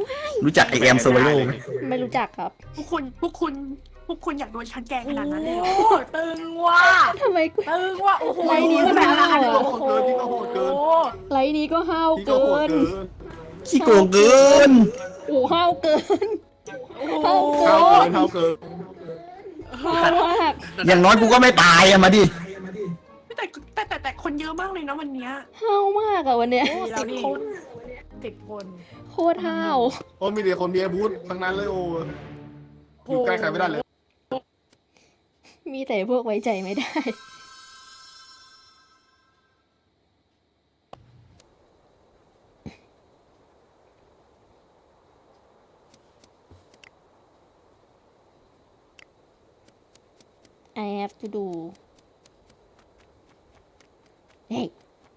รู้จักไอแอมโซไวโลไหมไม่รู้จักครับพวกคุณอยากโดนฉันแกล้งขนาดนั้นเลยเหรอโอ้ตึงว่ะทำไมกูตึงว่ะโอ้โหไลน์นี้มันแบบห้าวอะโอ้โหไลน์นี้ก็ห้าวพี่ก็เกิโหดนเกินขี้โกงเกินโอ้ห้าวเกินโอ้โหเท่าเกินห้าวมากอย่างน้อยกูก็ไม่ตายอะมาดิแต่คนเยอะมากเลยนะวันเนี้ยห้าวมากอะวันเนี้ย 10 คน10 คนโคตรห้าวโอ้มีแต่คนมีอาวุธทั้งนั้นเลยโอ้อยู่ใกล้ใครไม่ได้เลยมีแต่พวกไว้ใจไม่ได้ I have to do เฮ้ย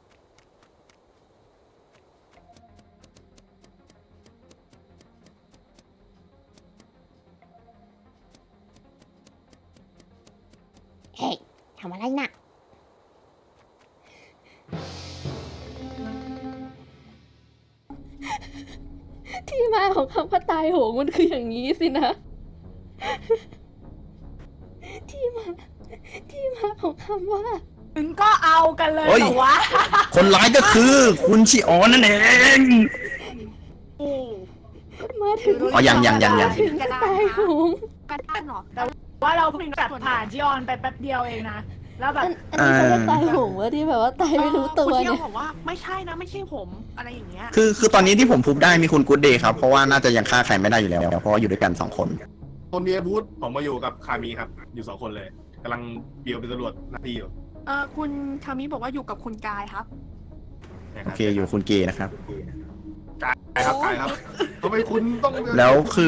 เฮ้ยทำอะไรน่ะ ที่มาของคำว่าตายโหงมันคืออย่างนี้สินะ ที่มาของคำว่าถึงก็เอากันเลยเฮ้ยเหรอวะคนร้ายก็คือคุณชิออนนั่นเองมาถึงอ๋อยังถึงก็ตายโหงกันได้หรอว่าเราเพิ่งตัดผ่านจีออนไปแป๊บเดียวเองนะ แล้วแบบอันนี้เขาเรียกตายโหงวะที่แบบว่าตายไม่รู้ตัวคุณเที่ยเนี่วย บอกว่าไม่ใช่นะไม่ใช่ผมอะไรอย่างเงี้ยคือตอนนี้ที่ผมพูดได้มีคุณกู๊ดเดย์ครับ เพราะว่าน่าจะยังฆ่าใครไม่ได้อยู่แล้ว เพราะว่าอยู่ด้วยกัน2 คนคนมีอาวุธผมมาอยู่กับคามีครับ อยู่2 คนเลยกำลังเบียวเป็นตำรวจหน้าที่อยู่คุณคามิบอกว่าอยู่กับคุณกายครับนะโอรับเคอยู่คุณเกย์นะครับกายครับกายครับทำไมคุณต้องแล้วคือ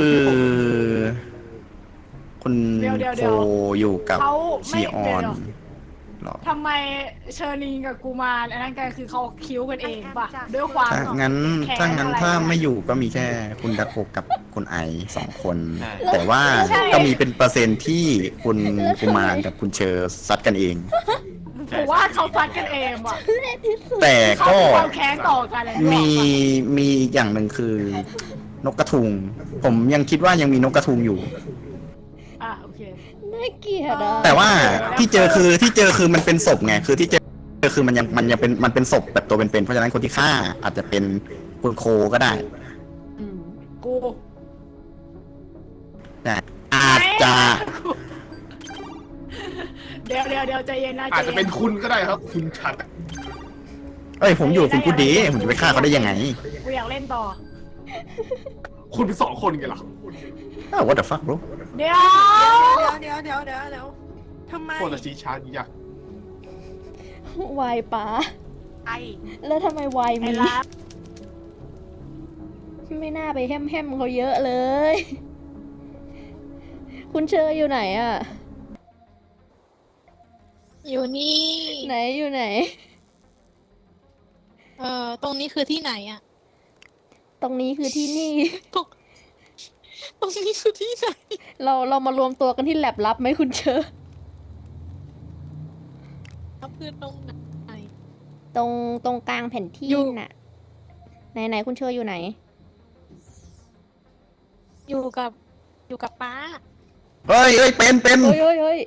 คุณเดี๋ยวโคอยู่กับเขาชิไม่ออเดี๋ยนวหรอทำไมเชอรีนกับกูมารอันนั้นกันคือเขาคิ้วกันเองป่ะ ด้วยความถ้างั้นแค้นถ้างั้นอะไรถ้าอะไม่อยู่ก็มีแค่คุณดักโกกับคุณไอ2 คนใช่แต่ว่าใช่ก็มีเป็นเปอร์เซ็นต์ที่คุณกุมารกับคุณเชอร์ซัดกันเองผมว่าเขาฟัดกันเองว่ะแต่เขาก็มีความแค้นต่อกันอะไรมีด้วยมีอีกอย่างหนึ่งคือนกกระทุง ผมยังคิดว่ายังมีนกกระทุงอยู่โอเคน่าเกลียดอ่ะแต่ว่าที่เจอคือมันเป็นศพไงคือที่เจอคือมันยังเป็นศพแบบตัวเป็นๆเพราะฉะนั้นคนที่ฆ่าอาจจะเป็นคุณโคก็ได้กูแต่อาจจะเดี๋ยวใจเย็นนะอาจจะเป็นคุณก็ได้ครับ คุณชัดเอ้ยผมอยู่กับคุณกูดีผมจะไปฆ่าเขาได้ยังไงกูอยากเล่นต่อคุณเป็น2 คนไงล่ะอ้าว what the fuck bro เดี๋ยวเดี๋ยวทำไมโคตรชี้ช้าดีอ่ะวายป๋าไอแล้วทำไมวายไอ้มีรักไม่น่าไปแฮมเขาเยอะเลย คุณเชออยู่ไหนอ่ะอยู่นี่ไหนอยู่ไหนตรงนี้คือที่ไหนอะตรงนี้คือที่นี่ตรงนี้คือที่ไหนเรามารวมตัวกันที่แลบลับไหมคุณเชอคือตรงไหนตรงกลางแผ่นที่อยู่น่ะ ไหนคุณเชออยู่ไหนอยู่กับป้าเฮ้ยเป็นเฮ้ย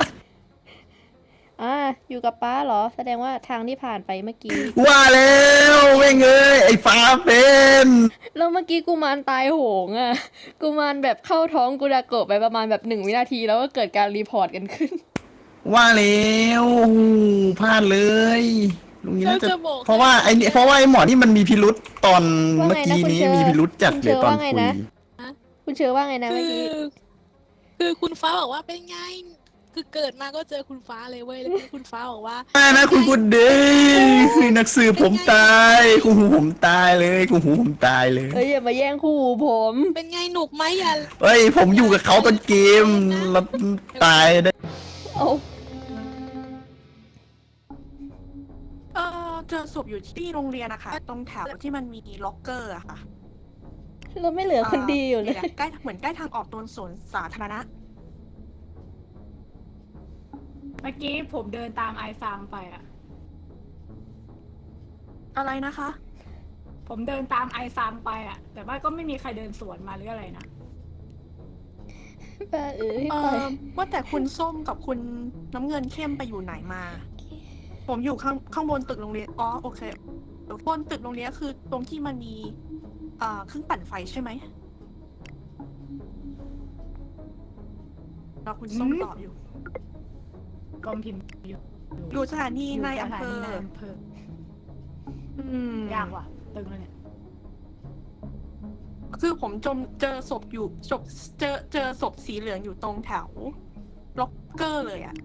อยู่กับป้าเหรอ แสดงว่าทางที่ผ่านไปเมื่อกี้ว่าแล้วแม่งเอ้ยไอ้ฟ้าเป็นแล้วเมื่อกี้กุมารตายโหงอ่ะ กุมารแบบเข้าท้องกุดาโกะไปประมาณแบบ1 วินาทีแล้วก็เกิดการรีพอร์ตกันขึ้นว่าแล้วพลาดเลยลุงนี้น่าจะเราจะบอกเพราะว่าไอ้หมอที่มันมีพิรุษตอนว่าไงนะเมื่อกี้นี้คุณเชอมีพิรุษจัดเลยตอนคุณเชอว่าไงคุยนะ คุณเชอว่าไงนะคืเมื่ออกี้คือคุณฟ้าบอกว่าเป็นไง คือเกิดมาก็เจอคุณฟ้าเลยเว้ย แล้วคุณฟ้าบอกว่านะคุณกุดเดย์คือนักสืบผมตายคุณหูผมตายเลยคุณหูผมตายเลยเอ้ยอย่ามาแย่งคู่หูผมเป็นไงหนุกไหมอย่าเฮ้ยผมอยู่กับเขาตอนเกมแล้วตายได้เอาเจอศพอยู่ที่โรงเรียนนะคะตรงแถวที่มันมีล็อกเกอร์อะค่ะเราไม่เหลือคนดีอยู่เลยใกล้เหมือนใกล้ทางออกตรงสวนสาธารณะเมื่อกี้ผมเดินตามไอฟางไปอะอะไรนะคะผมเดินตามไอซังไปอ่ะ แต่ว่าก็ไม่มีใครเดินสวนมาหรืออะไรนะบ้าว่าแต่คุณส้มกับคุณน้ำเงินเข้มไปอยู่ไหนมา ผมอยู่ข้างบนตึกโรงเรียนอ๋อโอเคบนตึกโรงเรียนคือตรงที่มันมีเครื่องปั่นไฟใช่ไหมแล้วคุณส้มตอบอยู่กองพิมพ์อยู่อยู่สถานีในอำเภอยู่สถานีในอำเภอ ยากว่ะ ตึงแล้วเนี่ยคือผมเจอศพอยู่เจอศพสีเหลืองอยู่ตรงแถวล็อกเกอร์เลยอ่ะ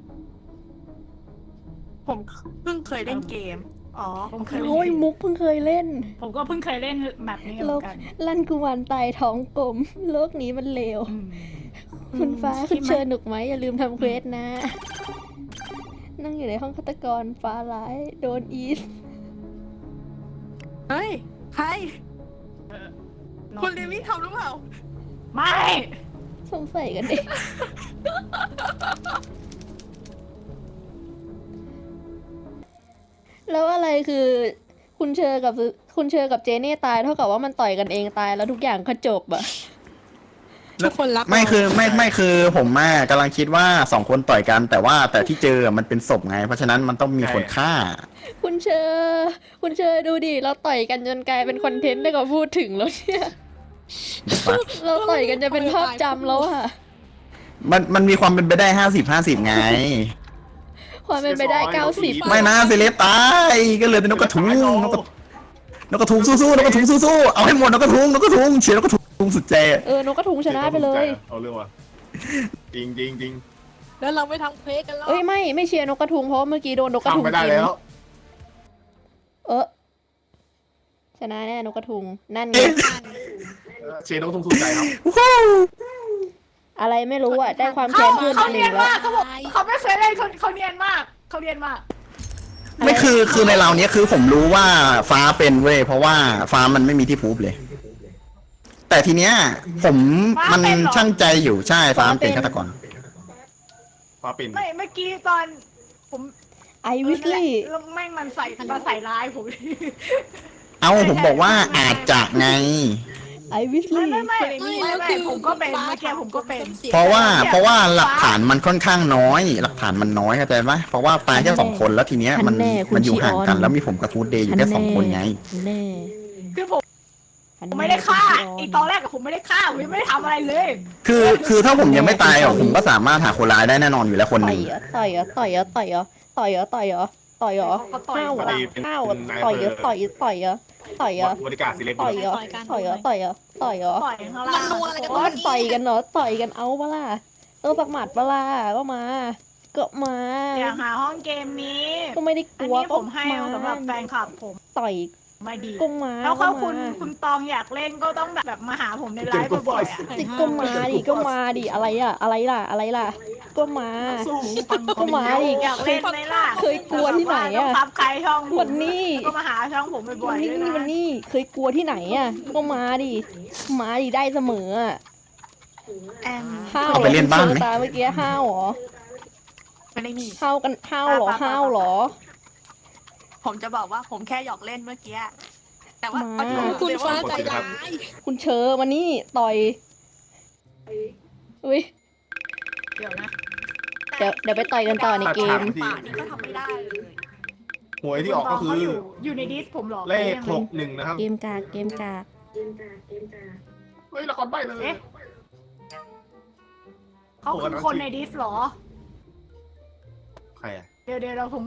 ผมเพิ่งเคยเล่นเกม อ๋อผมเคยโอ้ยมุกเพิ่งเคยเล่นผมก็เพิ่งเคยเล่นแบบนี้เหโลมือก นกันลั่นกุมารตายท้องกลม โลกนี้มันเลวอืมคุณฟ้าใช่คุณไหมเชิญหนุกไหมอย่าลืมทำเควสนะ นั่งอยู่ในห้องฆาตกรฟ้าร้ายโดนอีสเฮ้ย ใครน้องคุณเลวี่ทำหรือเปล่าไม่สงสัยกันเองแล้วอะไรคือ คุณเชอกับเจเน่ตายเท่ากับว่ามันต่อยกันเองตายแล้วทุกอย่างก็จบอะทุกคนรักไม่คือเราไม่คือผมกำลังคิดว่า2 คนต่อยกันแต่ที่เจอมันเป็นศพไง เพราะฉะนั้นมันต้องมีคนฆ่าคุณเชอดูดิเราต่อยกันจนกลายเป็นคอนเทนต์ได้ก็พูดถึงแล้วเนี่ย เราต่อยกันจะเป็นภาพจำแล้วอะมันมีความเป็นไปได้50-50ไงความเป็นไปได้90 ไม่นะเซเลบตายก็เหลือแต่นกกระทุงนกกระทุงสู้ๆนกกระทุงสู้ๆเอาให้หมดนกกระทุงเชียร์นกกระทุงสุดใจนกกระทุงชนะไปเลยเอาเรื่องว่ะจริงแล้วเราไม่ทำเควสกันแล้วเอ้ยไม่เชียร์นกกระทุงเพราะเมื่อกี้โดนนกกระทุงทำไม่ได้กินแล้วชนะแน่นกกระทุงนั่นไงเชนต้องทุ่มใจครับอะไรไม่รู้อะได้ความแค้นเพิ่มเขาหเนีนึ่ยนงแล้วมากเขาบอกเขาไม่เคยเล่นเขาเนียนมากเขาเนียนมากไม่คือในเราเนี้ยคือผมรู้ว่าฟ้าเป็นเว้ยเพราะว่าฟ้ามันไม่มีที่พูบเลย แต่ทีเนี้ยผมมันช่างใจอยู่ใช่ฟ้ามันเป็นฆาตกรฟ้าปิ่นไม่เมื่อกี้ตอนผมไอวิสลี่แล้วแม่งมันใส่ร้ายผมเอาผมบอกว่าอาจจะไงไอวิสลี่ไม่ผมก็เป็นเมื่อกี้ผมก็เป็นเพราะว่าหลักฐานมันค่อนข้างน้อย หลักฐานมันน้อยเข้าใจไหมเพราะว่าตายแค่2 คนแล้วทีเนี้ยมันอยู่ห่างกันแล้วมีผมกับฟูดเดย์อยู่แค่2 คนไงแน่คือผมไม่ได้ฆ่าอีกตอนแรกกับผมไม่ได้ฆ่าผมยังไม่ได้ทำอะไรเลยคือถ้าผมยังไม่ตายอ่ะผมก็สามารถหาคนร้ายได้แน่นอนอยู่แล้วคนหต่อนึ่ยงเหรอต่อยเหรอต่อยเหรอต่อยเหรอต่อยเหรอต่อยเหรอต่อยเหรอห้าวเหรอห้าวเหรอต่อยเหรอต่อยเหรอต่อยเหรอต่อยเหรอบริการสิเล็กต่อยเหรอต่อยเหรอต่อยเหรอต่อยเหรอปล่อยข้างล่างมันนัวอะไรกันโอ้ยต่อยกันเหรอต่อยกันเอาปะล่ะสักหมัดปะล่ะก็มาอยากหาห้องเกมนี้ก็ไม่ได้กอันลัวนี้ก็ผมให้สำหรับแฟนคลับผมต่อยไม่ดีก็มาแล้วก็ถ้ามาคุณตองอยากเล่นก็ต้องแบบมาหาผมในไลฟ์บ่อยๆอ่ะติก็มาดิอะไรล่ะก็มา ก็มาดิอยากเล่นไหมล่ะเคยกลัวที่ไหนต้องอะซับใครช่องผมวันนี้ก็มาหาช่องผมบ่วัอน ยนี้ๆด้วยวันนะนี้เคยกลัวที่ไหนอ่ะก็มาดิได้เสมออ่ะแอมห้าวเอาไปเล่นบ้านไหมตาเมื่อกี้ห้าวเหรอไม่ได้มีห้าวกันห้าวเหรอห้าวเหรอผมจะบอกว่าผมแค่หยอกเล่นเมื่อกี้ แต่ว่ามาคุณฟ้าใจร้ายคุณเชอมานี่ต่อยอุ้ยเดี๋ยวนะเดี๋ยวไปต่อยกันต่อในเกมป่านี่ก็ทำไม่ได้เลยหวยที่ออกก็คือเขาอยู่ในดิสผมเหรอเลข61นะครับเกมกากเฮ้ยละครใบเลยเอ๊ะเขาคือคนในดิสเหรอใครอ่ะเดี๋ยวผม